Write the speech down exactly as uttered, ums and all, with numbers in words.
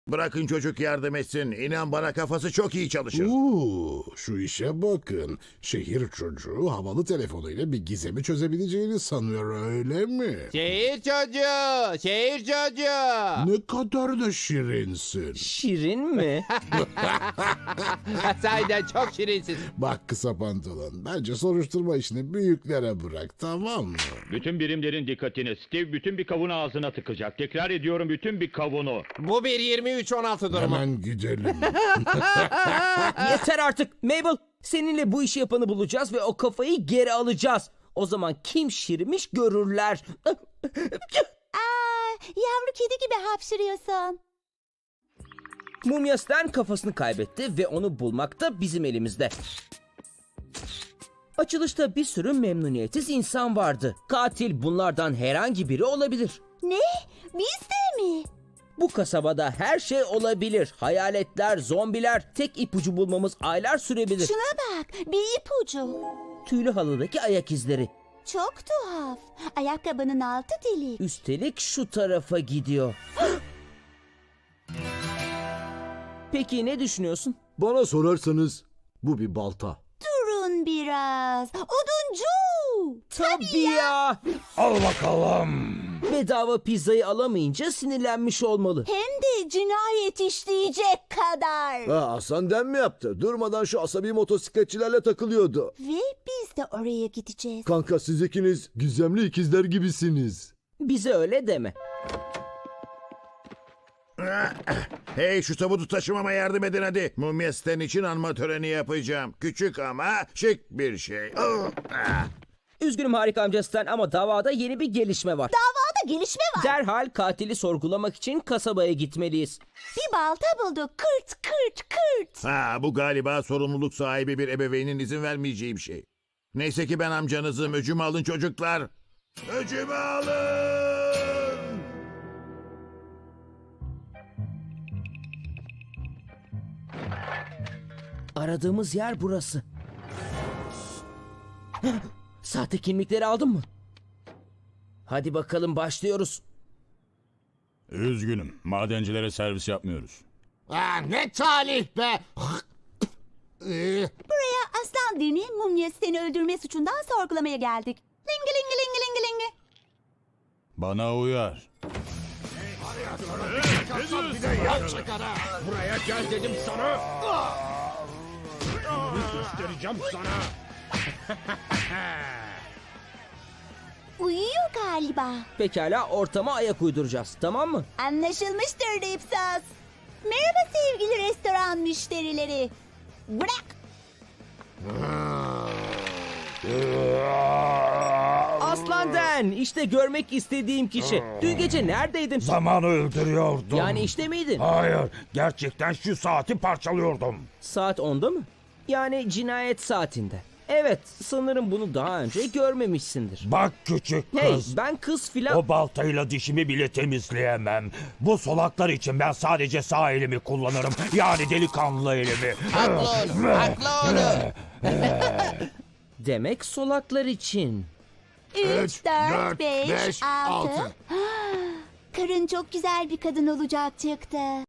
Bırakın çocuk yardım etsin. İnan bana kafası çok iyi çalışır. Uuu, şu işe bakın. Şehir çocuğu havalı telefonuyla bir gizemi çözebileceğini sanıyor, öyle mi? Şehir çocuğu, şehir çocuğu. Ne kadar da şirinsin. Şirin mi? Sahiden çok şirinsin. Bak kısa pantolon, bence soruşturma işini büyüklere bırak, tamam mı? Bütün birimlerin dikkatini. Steve bütün bir kavunu ağzına tıkacak. Tekrar ediyorum, bütün bir kavunu. Bu bir yirmi üç on altı durumu. Hemen gidelim. Yeter artık Mabel. Seninle bu işi yapanı bulacağız ve o kafayı geri alacağız. O zaman kim şirmiş görürler. Aa, yavru kedi gibi hapşırıyorsun. Mumya Stan kafasını kaybetti ve onu bulmak da bizim elimizde. Açılışta bir sürü memnuniyetsiz insan vardı. Katil bunlardan herhangi biri olabilir. Ne? Biz de mi? Bu kasabada her şey olabilir. Hayaletler, zombiler, tek ipucu bulmamız aylar sürebilir. Şuna bak, bir ipucu. Tüylü halıdaki ayak izleri. Çok tuhaf. Ayakkabının altı delik. Üstelik şu tarafa gidiyor. Peki ne düşünüyorsun? Bana sorarsanız bu bir balta. Durun biraz. Oduncu. Tabii ya. Al bakalım. Bedava pizzayı alamayınca sinirlenmiş olmalı. Hem de cinayet işleyecek kadar. Ha, Hasan Den mi yaptı? Durmadan şu asabi motosikletçilerle takılıyordu. Ve biz de oraya gideceğiz. Kanka siz ikiniz gizemli ikizler gibisiniz. Bize öyle deme. Hey, şu tabutu taşımama yardım edin hadi. Mumya Stan için anma töreni yapacağım. Küçük ama şık bir şey. Oh, ah. Üzgünüm harika amca Stan ama davada yeni bir gelişme var. Davada gelişme var. Derhal katili sorgulamak için kasabaya gitmeliyiz. Bir balta bulduk. Kırt kırt kırt. Ha, bu galiba sorumluluk sahibi bir ebeveynin izin vermeyeceği bir şey. Neyse ki ben amcanızım. Öcümü alın çocuklar. Öcümü alın. Aradığımız yer burası. Sahte kimlikleri aldın mı? Hadi bakalım başlıyoruz. Üzgünüm. Madencilere servis yapmıyoruz. Aa, ne talih be! Ee, Buraya aslan dini mumya seni öldürme suçundan sorgulamaya geldik. Lingi lingi lingi lingi lingi. Bana uyar. buraya gel dedim sana! Göstereceğim sana. Uyuyor galiba. Pekala ortama ayak uyduracağız, tamam mı? Anlaşılmıştır Dipsos. Merhaba sevgili restoran müşterileri. Bırak. Aslan Den, işte görmek istediğim kişi. Dün gece neredeydin? Zamanı öldürüyordum. Yani işte miydin? Hayır. Gerçekten şu saati parçalıyordum. Saat onda mı? Yani cinayet saatinde. Evet, sanırım bunu daha önce görmemişsindir. Bak küçük Hey, kız. ben kız filan... O baltayla dişimi bile temizleyemem. Bu solaklar için ben sadece sağ elimi kullanırım. Yani delikanlı elimi. Haklı oğlum, haklı oğlum. Demek solaklar için. Üç, dört, dört, beş, beş, altı. altı. Karın çok güzel bir kadın olacak çıktı.